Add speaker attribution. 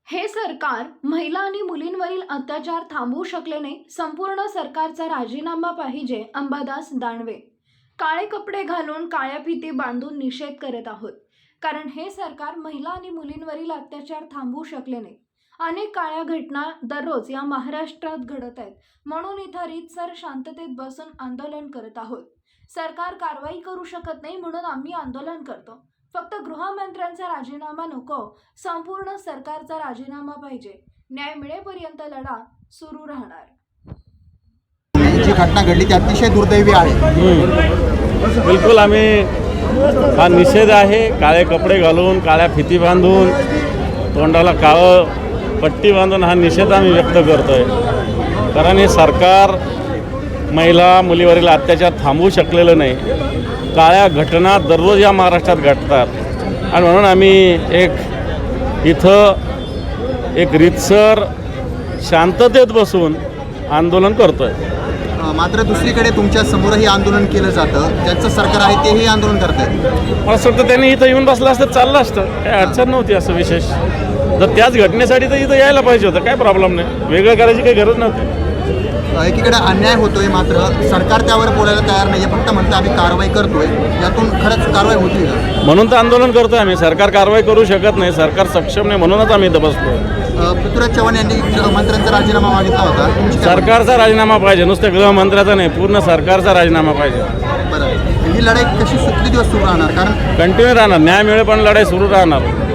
Speaker 1: हे सरकार महिला आणि मुलींवरील अत्याचार थांबवू शकले नाही. संपूर्ण सरकारचा राजीनामा पाहिजे. अंबादास दानवे. काळे कपडे घालून काळ्या फिती बांधून निषेध करत आहोत, कारण हे सरकार महिला आणि मुलींवरील अत्याचार थांबवू शकले नाही. अनेक काळ्या घटना दररोज या महाराष्ट्रात घडत आहेत, म्हणून इथं रीतसर शांततेत बसून आंदोलन करत आहोत. सरकार कारवाई करू शकत नाही, म्हणून आम्ही आंदोलन करतो. फक्त गृहमंत्र्यांचा राजीनामा नको, संपूर्ण सरकारचा राजीनामा पाहिजे. न्याय मिळेपर्यंत लढा सुरू राहणार.
Speaker 2: जी घटना घडली ती अतिशय दुर्दैवी आहे.
Speaker 3: बिलकुल आम्ही हा निषेध आहे. काळे कपडे घालून काळ्या फिती बांधून तोंडाला काळं पट्टी बांधून हा निषेध आम्ही व्यक्त करतोय. कारण हे सरकार महिला मुलीवरील अत्याचार थांबवू शकलेलं नाही. काळ्या घटना दररोज या महाराष्ट्रात घडतात आणि म्हणून आम्ही इथं एक रीतसर शांततेत बसून आंदोलन करतोय.
Speaker 2: मात्र दुसरीकडे तुमच्या समोरही आंदोलन केलं जातं. ज्यांचं सरकार आहे तेही आंदोलन करत आहेत.
Speaker 3: मला असं वाटतं त्यांनी इथं येऊन बसलं असतं चाललं असतं, काही अडचण नव्हती. असं विशेष जर त्याच घटनेसाठी तर इथं यायला पाहिजे होतं, काय प्रॉब्लेम नाही. वेगळं करायची काही गरज नव्हती.
Speaker 2: एकीकडे अन्याय होतोय, मात्र सरकार त्यावर बोलायला तयार नाही आहे. फक्त म्हणतं आम्ही कारवाई करतोय. यातून खरंच कारवाई होती का?
Speaker 3: म्हणून तर आंदोलन करतोय आम्ही. सरकार कारवाई करू शकत नाही, सरकार सक्षम नाही, म्हणूनच आम्ही इथं बसतोय.
Speaker 2: पृथ्वीराज चव्हाण यांनी मंत्र्यांचा राजीनामा मागितला होता.
Speaker 3: सरकारचा राजीनामा पाहिजे, नुसतं गृहमंत्र्याचा नाही, पूर्ण सरकारचा राजीनामा पाहिजे.
Speaker 2: बरं, ही लढाई किती दिवस सुरू राहणार? कारण
Speaker 3: कंटिन्यू राहणार. न्याय मिळेपर्यंत लढाई सुरू राहणार.